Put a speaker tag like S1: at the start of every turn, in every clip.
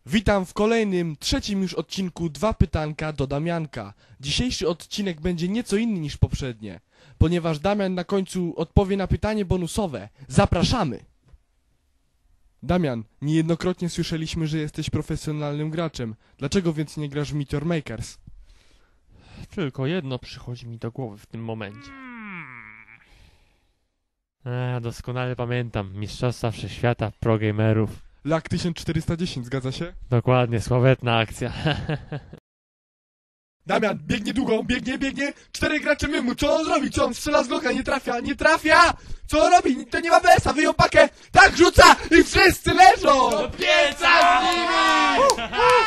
S1: Witam w kolejnym, trzecim już odcinku Dwa pytanka do Damianka. Dzisiejszy odcinek będzie nieco inny niż poprzednie, ponieważ Damian na końcu odpowie na pytanie bonusowe. Zapraszamy! Damian, niejednokrotnie słyszeliśmy, że jesteś profesjonalnym graczem. Dlaczego więc nie grasz w Meteor Makers?
S2: Tylko jedno przychodzi mi do głowy w tym momencie. Doskonale pamiętam Mistrzostwa Wszechświata Pro Gamerów.
S1: LAK 1410, zgadza się?
S2: Dokładnie, sławetna akcja.
S1: Damian, biegnie długo, biegnie, 4 gracze mymu, co on robi, co on strzela z Glocka, nie trafia! Co on robi, to nie ma BS-a, wyjął pakę, tak rzuca i wszyscy leżą! Do pieca z nimi!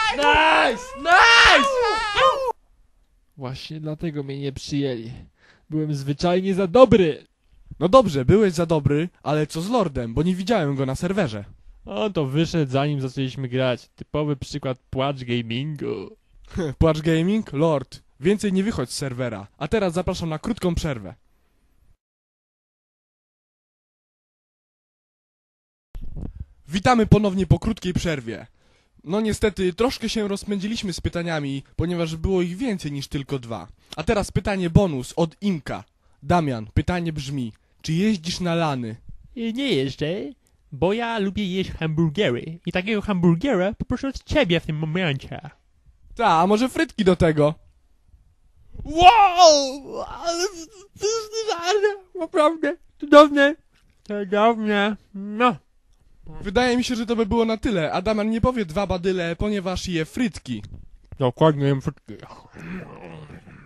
S2: Nice! Właśnie dlatego mnie nie przyjęli. Byłem zwyczajnie za dobry.
S1: No dobrze, byłeś za dobry, ale co z Lordem, bo nie widziałem go na serwerze.
S2: On to wyszedł zanim zaczęliśmy grać. Typowy przykład płacz gamingu.
S1: Płacz Gaming? Lord, więcej nie wychodź z serwera. A teraz zapraszam na krótką przerwę. Witamy ponownie po krótkiej przerwie. No niestety, troszkę się rozpędziliśmy z pytaniami, ponieważ było ich więcej niż tylko 2. A teraz pytanie bonus od Imka. Damian, pytanie brzmi, czy jeździsz na lany?
S2: Nie jeszcze, bo ja lubię jeść hamburgery. I takiego hamburgera poproszę od ciebie w tym momencie.
S1: Ta, a może frytki do tego?
S2: Wow! Ale naprawdę cudowne. No.
S1: Wydaje mi się, że to by było na tyle, a Damian nie powie 2 badyle, ponieważ je frytki.
S2: Dokładnie jem frytki.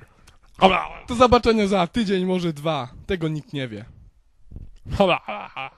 S1: Do zobaczenia za tydzień, może 2. Tego nikt nie wie.